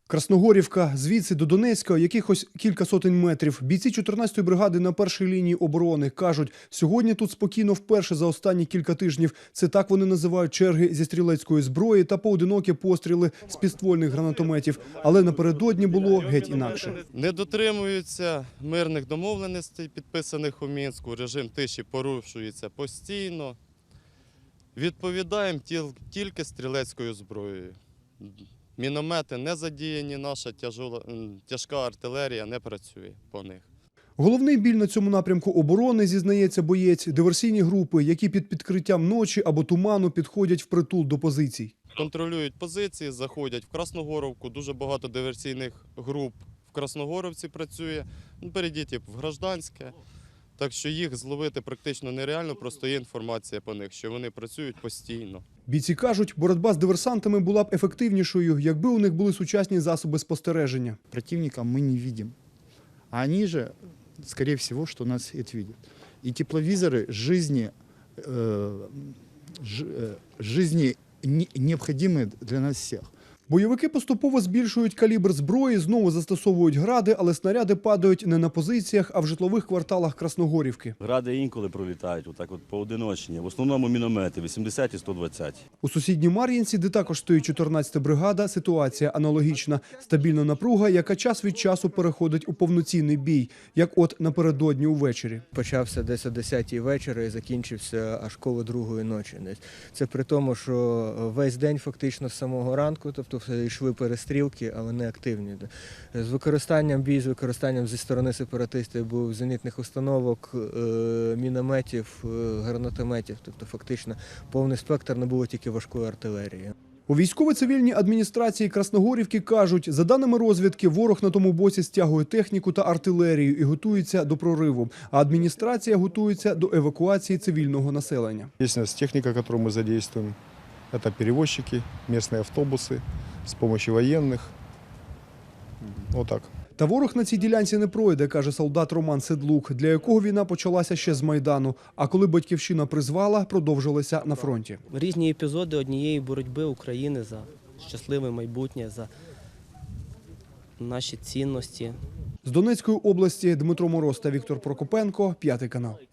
Красногорівка, звідси до Донецька, якихось кілька сотень метрів. Бійці 14-ї бригади на першій лінії оборони кажуть, сьогодні тут спокійно вперше за останні кілька тижнів. Це так вони називають черги зі стрілецької зброї та поодинокі постріли з підствольних гранатометів. Але напередодні було геть інакше. Не дотримуються мирних домовленостей, підписаних у Мінську. Режим тиші порушується постійно. Відповідаємо тільки стрілецькою зброєю. Міномети не задіяні, наша тяжка артилерія не працює по них. Головний біль на цьому напрямку оборони, зізнається боєць, диверсійні групи, які під підкриттям ночі або туману підходять впритул до позицій. Контролюють позиції, заходять в Красногоровку, дуже багато диверсійних груп в Красногоровці працює, перейдіть в Гражданське. Так що їх зловити практично нереально, просто є інформація по них, що вони працюють постійно. Бійці кажуть, боротьба з диверсантами була б ефективнішою, якби у них були сучасні засоби спостереження. Противника мы не видим, а они же, скорее всего, что нас это видят. И тепловизоры жизни необходимы для нас всех. Бойовики поступово збільшують калібр зброї, знову застосовують гради, але снаряди падають не на позиціях, а в житлових кварталах Красногорівки. Гради інколи пролітають, отак от поодиночні. В основному міномети 80 і 120. У сусідній Мар'їнці, де також стоїть 14-та бригада, ситуація аналогічна. Стабільна напруга, яка час від часу переходить у повноцінний бій, як от напередодні увечері. Почався десь о 10-й вечора і закінчився аж коло 2-ї ночі. Це при тому, що весь день фактично з самого ранку, тобто йшли перестрілки, але не активні. З використанням зі сторони сепаратистів був зенітних установок, мінометів, гранатометів, тобто фактично повний спектр, не було тільки важкої артилерії. У військово-цивільній адміністрації Красногорівки кажуть, за даними розвідки, ворог на тому боці стягує техніку та артилерію і готується до прориву, а адміністрація готується до евакуації цивільного населення. Є у нас техніка, яку ми задействуємо. Это перевозчики, местные автобусы с помощью военных. Вот так. Та ворог на цій ділянці не пройде, каже солдат Роман Седлук, для якого війна почалася ще з Майдану, а коли батьківщина призвала, продовжилася на фронті. Різні епізоди однієї боротьби України за щасливе майбутнє, за наші цінності. З Донецької області Дмитро Мороз та Віктор Прокопенко, 5 канал.